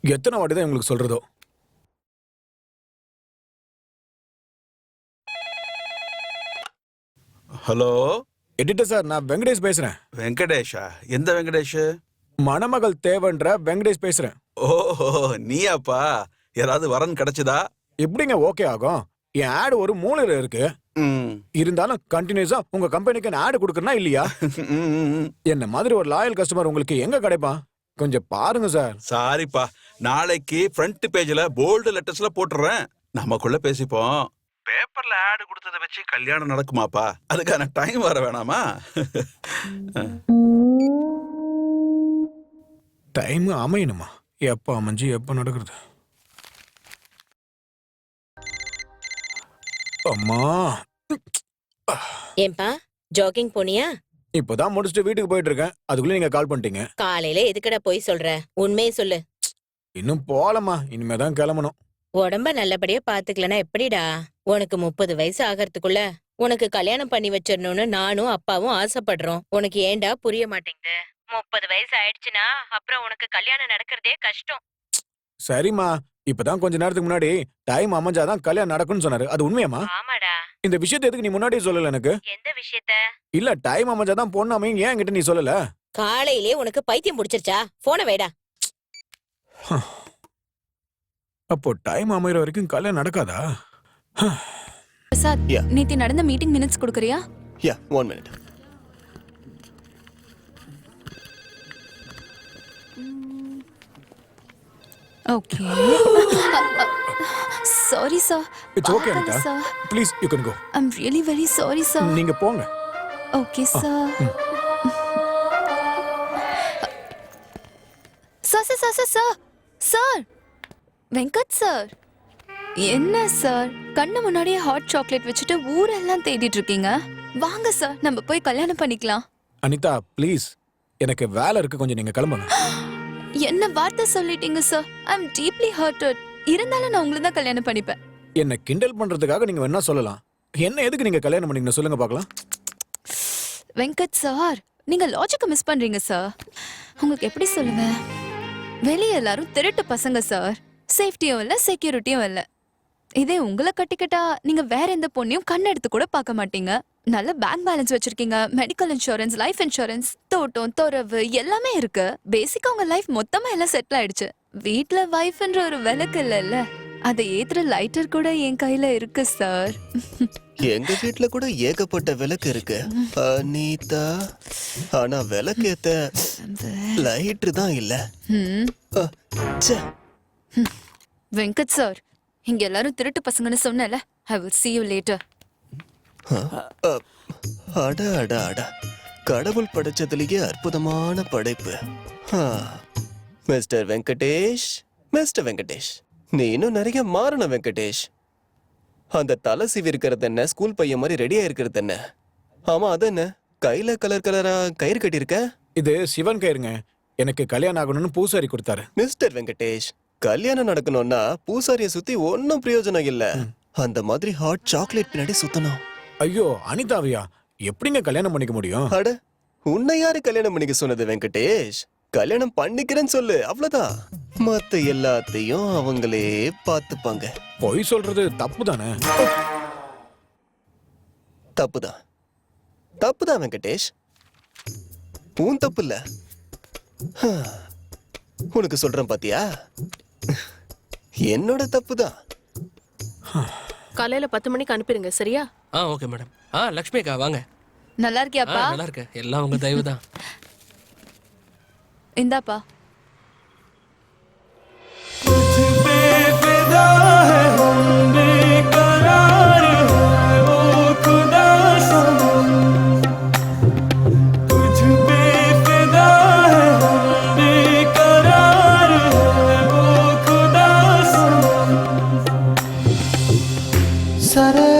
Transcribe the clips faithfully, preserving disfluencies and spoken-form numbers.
எத்தனை வாட்டி தான் உங்களுக்கு சொல்றதோ. ஹலோ எடிட்டர் சார், நான் வெங்கடேஷ் பேசுறேன். வெங்கடேஷா? எந்த வெங்கடேஷ்? மணமகள் தேவன்ற வெங்கடேஷ் பேசுறேன். ஓஹோ, நீயாப்பா? யாராவது வரன் கிடைச்சதா? எப்படிங்க ஓகே ஆகும்? என் ஆடு ஒரு மூலையில இருக்கு. இருந்தாலும் கண்டினியூஸா உங்க கம்பெனிக்கு நான் ஆடு கொடுக்கறனா இல்லையா? என்ன மாதிரி ஒரு லாயல் கஸ்டமர் உங்களுக்கு எங்க கிடைப்பான்? கொஞ்சம் பாருங்க சார். சாரிப்பா, நாளைக்கு ஃப்ரண்ட் பேஜ்ல போல்டு லெட்டர்ஸ்ல போட்டுறேன். நமக்குள்ள பேசிப்போம். பேப்பர்ல ஆடு கொடுத்ததை வச்சு கல்யாணம் நடக்குமாப்பா? அதுக்கான டைம் வர வேணாமா? டைம் அமையணுமா? எப்ப அமைஞ்சு எப்ப நடக்கிறது? அம்மா, ஏன்பா ஜாகிங் போனியா? இப்பதான் முடிச்சுட்டு வீட்டுக்கு போயிட்டு இருக்கேன். அதுக்குள்ள நீங்க கால் பண்ணிட்டீங்க. காலையில எதுக்கடா போய் சொல்ற? உண்மையை சொல்லு. இன்னும் போலமா, இனிமேதான் கிளம்பணும். உடம்ப நல்லபடியா பாத்துக்கலனா எப்படிடா? உனக்கு முப்பது வயசு ஆகிறதுக்குள்ள உனக்கு கல்யாணம் பண்ணி வச்சிடணும்னு நானும் அப்பாவும் ஆசைப்படுறோம். உனக்கு ஏண்டா புரிய மாட்டேங்குது? முப்பது வயசு ஆயிடுச்சுன்னா அப்புறம் உனக்கு கல்யாணம் நடக்கிறதே கஷ்டம். சரிம்மா, இப்பதான் கொஞ்ச நேரத்துக்கு முன்னாடி டைம் அமைஞ்சாதான் கல்யாணம் நடக்கும்னு சொன்னாரு. அது உண்மையாமா? ஆமாடா. இந்த விஷயத்தை எதுக்கு நீ முன்னாடியே சொல்லல எனக்கு? எந்த விஷயத்த? இல்ல, டைம் அமைஞ்சாதான் பொண்ணு அமையும், ஏன் என்கிட்ட நீ சொல்லல? காலையிலே உனக்கு பைத்தியம் பிடிச்சிருச்சா? போன வைடா. அப்போ டைம் அமையற வரைக்கும் கல்யாணம் நடக்காதா? பிரசாத், நேத்து நடந்த மீட்டிங் மினிட்ஸ் கொடுக்கறியா? Yeah, one minute. Okay. Sorry sir. It's okay, Anita. Please, you can go. I'm really very sorry sir. நீங்க போங்க. Okay sir. Sir sir sir sir sir Venkat sir, என்ன சார் கண்ணு முன்னாடியே ஹாட் சாக்லேட் வச்சுட்டு ஊரெல்லாம் தேடிட்டு இருக்கீங்க? வாங்க சார், நம்ம போய் கல்யாணம் பண்ணிக்கலாம். அனிதா ப்ளீஸ், எனக்கு வேலை இருக்கு, கொஞ்சம் நீங்க கிளம்புங்க. என்ன வார்த்தை சொல்லிட்டீங்க sir? I am deeply hurted. இருந்தாலும் நான் உங்களை தான் கல்யாணம் பண்ணிப்பேன். என்ன கிண்டல் பண்றதுக்காக நீங்க வேணா சொல்லலாம். என்ன எதுக்கு நீங்க கல்யாணம் பண்ணீங்க சொல்லுங்க பார்க்கலாம். வெங்கட் சார், நீங்க லாஜிக்க மிஸ் பண்றீங்க சார். உங்களுக்கு எப்படி சொல்லுவேன்? வெளியே எல்லாரும் திருட்டு பசங்க சார். சேஃப்டியும் இல்ல, செக்யூரிட்டியும் இல்ல. இதே உங்களை கட்டிக்கிட்டா நீங்க வேற எந்த பொண்ணையும் கண் எடுத்து கூட பார்க்க மாட்டீங்க. நல்ல பேங்க் பேலன்ஸ் வச்சிருக்கீங்க, மெடிக்கல் இன்சூரன்ஸ், லைஃப் இன்சூரன்ஸ், தோட்டம், துறவு எல்லாமே இருக்கு. பேசிக்கா உங்க லைஃப் மொத்தமா எல்லாம் செட்டில் ஆயிடுச்சு. வீட்ல வைஃப்ன்ற ஒரு விளக்கு இல்ல, அதை ஏத்துற லைட்டர் கூட என் கையில இருக்கு சார். எங்க வீட்ல கூட ஏகப்பட்ட விளக்கு இருக்கு அனிதா. ஆனா விளக்கு ஏத்த லைட்டர் தான் இல்ல. வெங்கட் சார், இங்க எல்லாரும் திருட்டு பசங்கன்னு சொன்னல. I will see you later. அட அட அட, கடவுள் படைச்சதுலயே அற்புதமான படைப்பு. மிஸ்டர் வெங்கடேஷ், மிஸ்டர் வெங்கடேஷ், நீ இன்னும் நிறைய மாறணும் வெங்கடேஷ். அந்த தலை சீவி இருக்கிறது என்ன, ஸ்கூல் பையன் மாதிரி ரெடியா இருக்கிறது என்ன? ஆமா, அது என்ன கையில கலர் கலரா கயிறு கட்டியிருக்க? இது சிவன் கயிறுங்க. எனக்கு கல்யாணம் ஆகணும்னு பூசாரி கொடுத்தாரு. மிஸ்டர் வெங்கடேஷ், கல்யாணம் நடக்கணும்னா பூசாரிய சுத்தி ஒன்னும் பிரயோஜனம் இல்ல. அந்த மாதிரி ஹாட் சாக்லேட் பின்னாடி சுத்தணும். ஐயோ அனிதாவியா, எப்படிங்க கல்யாணம் பண்ணிக்க முடியும்? அட, உன்னை யாரு கல்யாணம் பண்ணிக்க சொன்னது வெங்கடேஷ்? கல்யாணம் பண்ணிக்கிறேன்னு சொல்லு, அவ்வளவுதான். மத்த எல்லாத்தையும் அவங்களே பாத்துப்பாங்க. பொய் சொல்றது தப்பு தானே? தப்புதான், தப்புதான் வெங்கடேஷ், உன் தப்பு இல்ல. உனக்கு சொல்றேன் பாத்தியா, என்னோட தப்புதான். காலையில பத்து மணிக்கு அனுப்பிடுங்க, சரியா? ஆ ஓகே மேடம். ஆ லக்ஷ்மி அக்கா வாங்க. நல்லா இருக்கியாப்பா? நல்லா இருக்க, எல்லாம் உங்க தயவு தான். இந்தாப்பா. Sare,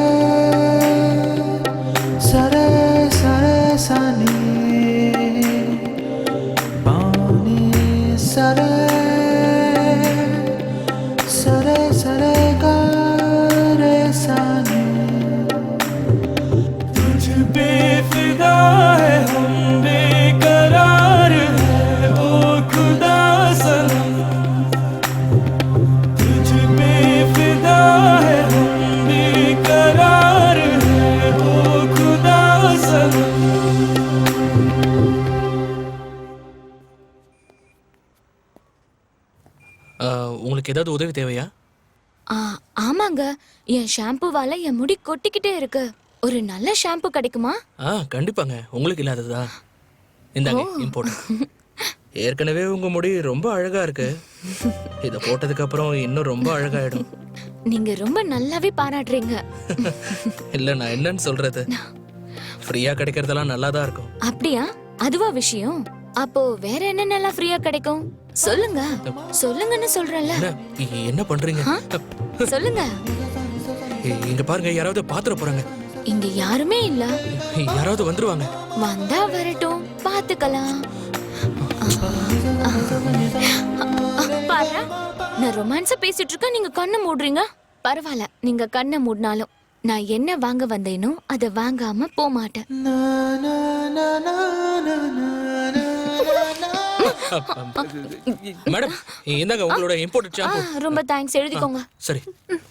sare, sare, sani, pani, sare, sare, sare. ஆ, உங்களுக்கு ஏதாவது உதவி தேவையா? ஆ, ஆமாங்க, என் ஷாம்புவால என் முடி கொட்டிக்கிட்டே இருக்கு. ஒரு நல்ல ஷாம்பு கிடைக்குமா? ஆ கண்டிப்பாங்க, உங்களுக்கு இல்லாததா? இந்தாங்க இம்போர்ட். ஏற்கனவே உங்க முடி ரொம்ப அழகா இருக்கு. இத போட்டதுக்கு அப்புறம் இன்னும் ரொம்ப அழகாயிடும். நீங்க ரொம்ப நல்லாவே பாராட்டுறீங்க. இல்ல நான் என்னன்னு சொல்றது, ஃப்ரீயா கிடைக்கிறதெல்லாம் நல்லா தான் இருக்கும். அப்படியா? அதுவா விஷயம்? அப்போ வேற என்னென்னலாம் ஃப்ரீயா கிடைக்கும்? சொல்லுங்க சொல்லுங்கன்னு சொல்றேன்ல. என்ன இ- என்ன பண்றீங்க? சொல்லுங்க. இ- இங்க பாருங்க, யாராவது பாத்துற போறாங்க. இங்க யாருமே இல்ல. யாராவது வந்துருவாங்க. வந்தா வரட்டும், பாத்துக்கலாம். பாரு, நான் ரொமான்ஸா பேசிட்டு இருக்கேன், நீங்க கண்ணை மூடுறீங்க. பரவாயில்ல, நீங்க கண்ணை மூடினாலும் நான் என்ன வாங்க வந்தேனோ அதை வாங்காம போக மாட்டேன். மேடம் இந்தாங்க உங்களோட இம்போர்ட் ஆ, ஷாம்பு. ரொம்ப தேங்க்ஸ், எழுதிக்கோங்க. சரி.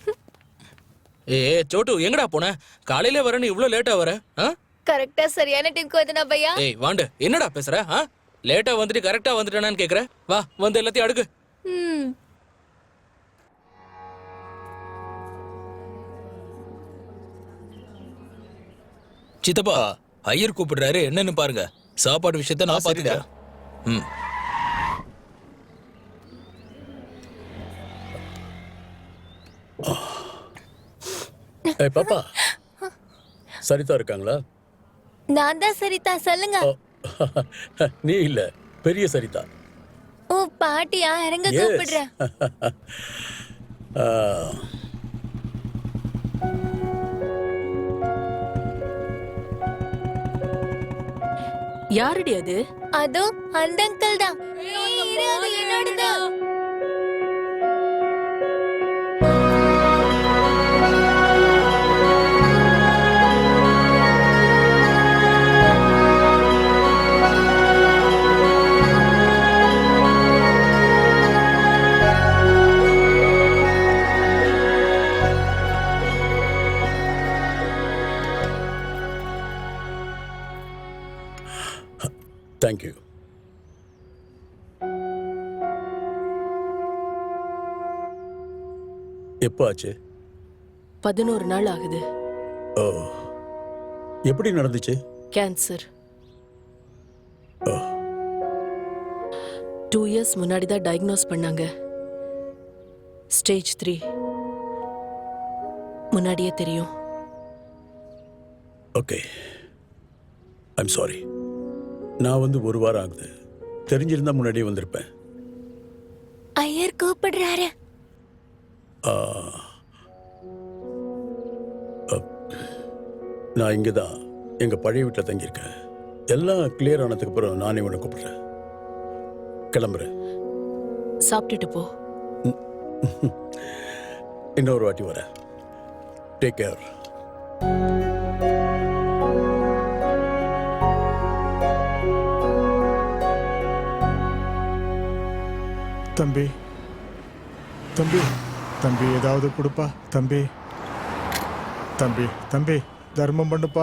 ஏ சோட்டு, எங்கடா போன? காலையில வரேன்னு இவ்ளோ லேட்டா வர? ஆ? கரெக்டா சரியான டைம்க்கு வந்தனா பையா. ஏய் வாண்டு, என்னடா பேசுற? ஆ? லேட்டா வந்துட்டு கரெக்டா வந்துட்டானான்னு கேக்குற? வா வந்து எல்லாத்தையும் அடுக்கு. ம். சித்தப்பா, ஐயர் கூப்பிடுறாரு, என்னன்னு பாருங்க. சாப்பாடு விஷயத்த நான் பாத்துக்கிறேன். ம். ஏய் பாப்பா, சரிதா இருக்காங்களா? நான் தான் சரிதா, சொல்லுங்க. ஓ, நீ இல்ல, பெரிய சரிதா. ஓ பாட்டியா, இறங்க Yes. கூப்பிடுறேன். ஆ, யாருடி அது? அதோ அந்த அங்கிள் தான். இரு, அது என்னோடது. thank you. எப்போ ஆச்சு? பதினோரு நாள் ஆகுது. ஓ, எப்படி நடந்துச்சு? கேன்சர். ஓ, டூ இயர்ஸ் முன்னாடி தான் டயக்னோஸ் பண்ணாங்க. Stage three. முன்னாடியே தெரியும். Okay, I'm sorry. நான் வந்து ஒரு வாரம் ஆகுது. தெரிஞ்சிருந்தா முன்னாடியே வந்திருப்பேன். ஐயர் கூப்பிடுறாரு. ஆ, அப், நான் இங்கே தான் எங்கள் பழைய வீட்டில் தங்கியிருக்கேன். எல்லாம் கிளியர் ஆனதுக்கு அப்புறம் நானே உன்னை கூப்பிடுறேன். கிளம்புறேன். சாப்பிட்டுட்டு போ. இன்னொரு வாட்டி வரேன். Take care. தம்பி தம்பி தம்பி ஏதாவது கொடுப்பா தம்பி. தம்பி தம்பி தர்மம் பண்ணுப்பா.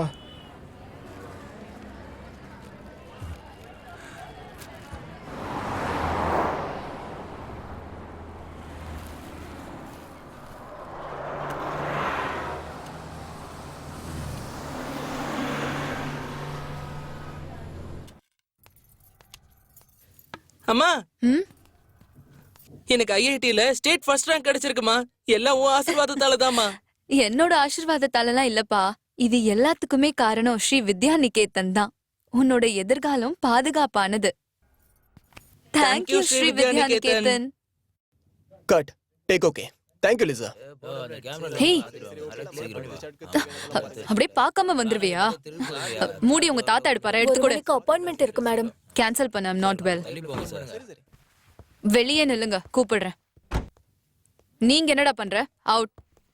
அம்மா, ம்? எனக்கு ஐஐடில ஸ்டேட் ஃபர்ஸ்ட் ரேங்க் கிடைச்சிருக்குமா. எல்லாம் உன் ஆசீர்வாதத்தால தான்மா. என்னோட ஆசீர்வாதத்தாலலாம் இல்லப்பா, இது எல்லாத்துக்குமே காரணம் ஸ்ரீ வித்யா நிகேதன் தான். உன்னோட எதிர்காலம் பாதுகாப்பானது. Thank you, thank you Sri Vidya Niketan. Cut. Take okay. Thank you Lisa. Hey, அப்படியே பார்க்காம வந்துருவியா? மூடி உங்க தாத்தா எடுப்பாரு, எடுத்து கூட. அப்பாயின்மெண்ட் இருக்கு மேடம். கேன்சல் பண்ண, ஐம் நாட் வெல். வெளியே நில்லுங்க, கூப்பிடுறேன். நீங்க என்னடா பண்ற? அவுட்.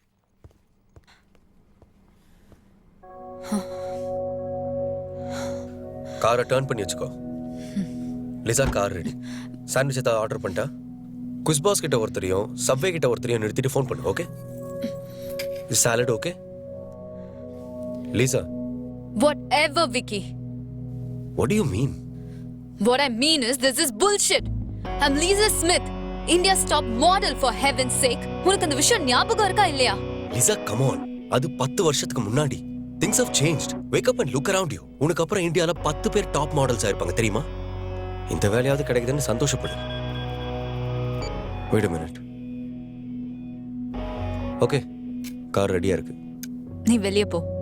காரை டர்ன் பண்ணி வச்சுக்கோ. Lisa, car ready. சாண்ட்விச் ஏதாவது ஆர்டர் பண்ணிட்டா? குஸ்பாஸ் கிட்ட ஒருத்தரையும் சப்வே கிட்ட ஒருத்தரையும் நிறுத்திட்டு ஃபோன் பண்ணு. Okay? Salad okay? Lisa, Whatever, Vicky. what do you mean? What I mean is, this is bullshit. I'm Lisa Smith. India's top model for heaven sake. உனக்கு அந்த விஷயம் ஞாபகம் இருக்கா இல்லையா? லிசா கம் ஆன், அது பத்து வருஷத்துக்கு முன்னாடி. Things have changed. Wake up and look around you. உனக்கு அப்புறம் இந்தியால பத்து பேர் டாப் மாடல்ஸ் ஆயிருப்பாங்க தெரியுமா? இந்த வேலையாவது கிடைக்குதுன்னு சந்தோஷப்படு. Wait a minute. Okay, car ரெடியா இருக்கு. நீ வெளியே போ.